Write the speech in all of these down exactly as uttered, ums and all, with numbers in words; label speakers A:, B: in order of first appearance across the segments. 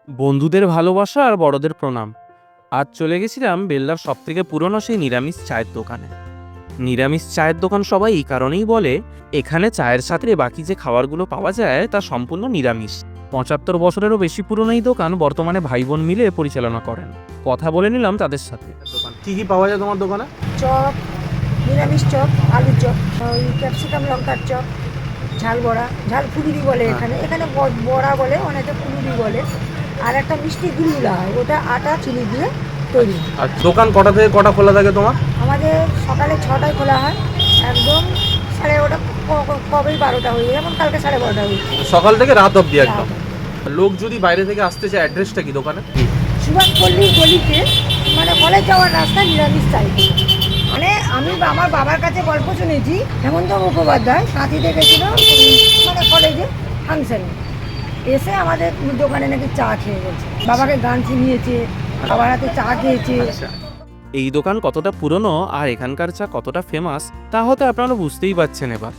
A: বন্ধুদের ভালোবাসা আর বড়দের প্রণাম। আজ চলে গেছিলাম বেল্লার সব থেকে পুরনো সেই নিরামিষ চায়ের দোকানে। নিরামিষ চায়ের দোকান সবাই এই কারণেই বলে, এখানে চায়ের সাথে বাকি যে খাবারগুলো পাওয়া যায় তা সম্পূর্ণ নিরামিষ। পঁচাত্তর বছরেরও বেশি পুরনো এই দোকান বর্তমানে ভাই বোন মিলে পরিচালনা করেন। কথা বলে নিলাম তাদের সাথে।
B: দোকান কি কি পাওয়া যায় তোমার দোকানে?
C: চপ, নিরামিষ চপ, আলু চপ, ওই ক্যাপসিকাম লঙ্কার চপ, ঝাল বড়া, ঝাল ফুলুরি বলে এখানে এখানে ব- বড়া বলে, অনেকে ফুলুরি বলে। আর একটা মিষ্টি গুলগুলা হয়, ওটা আটা চিনি দিয়ে তৈরি হয়।
B: আর দোকান কটা থেকে কটা খোলা থাকে তোমার?
C: আমাদের সকালে ছটায় খোলা হয়, একদম সাড়ে ওটা কবেই বারোটা হয়ে যায়, যেমন কালকে সাড়ে বারোটা হয়েছে।
B: সকাল থেকে রাত অবধি একদম। লোক যদি বাইরে থেকে আসতে চায়, অ্যাড্রেসটা কি দোকানে?
C: সুভাষ পল্লীর গলিতে, মানে কলেজ যাওয়ার রাস্তা, নিরামিষ চাই। মানে আমি আমার বাবার কাছে গল্প শুনেছি, হেমন্ত মুখোপাধ্যায় কাঁথিতে গেছিল মানে কলেজে ফাংশনে, এসে আমাদের দোকানে নাকি চা খেয়ে গেছে, বাবাকে গান শুনিয়েছে, বাবার হাতে চা খেয়েছে।
A: এই দোকান কতটা পুরনো আর এখানকার চা কতটা ফেমাস তা হয়তো আপনারা বুঝতেই পারছেন এবার।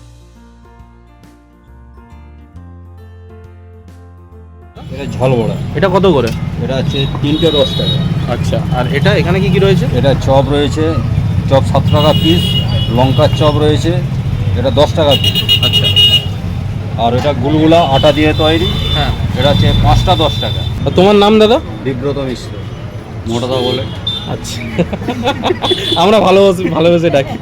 D: এটা ঝাল বড়া।
B: এটা কত করে?
D: এটা হচ্ছে তিনটে দশ টাকা।
B: আচ্ছা, আর এটা এখানে কি কি রয়েছে?
D: এটা চপ রয়েছে, চপ সাত টাকা পিস। লঙ্কার চপ রয়েছে, এটা দশ টাকা পিস।
B: আচ্ছা,
D: আর এটা গুলগুলা আটা দিয়ে তৈরি,
B: হ্যাঁ।
D: এটা হচ্ছে পাঁচটা দশ টাকা।
B: আর তোমার নাম দাদা?
D: বিব্রত মিশ্র, মোটাদা বলে।
B: আচ্ছা, আমরা ভালোবাসি ভালোবেসে ডাকি।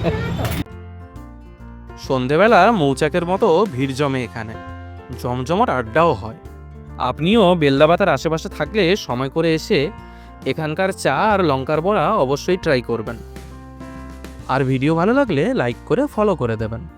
A: সন্ধেবেলা মৌচাকের মতো ভিড় জমে এখানে, জমজমাট আড্ডাও হয়। আপনিও বেল্লাবাতার আশেপাশে থাকলে সময় করে এসে এখানকার চা আর লঙ্কার বড়া অবশ্যই ট্রাই করবেন। আর ভিডিও ভালো লাগলে লাইক করে ফলো করে দেবেন।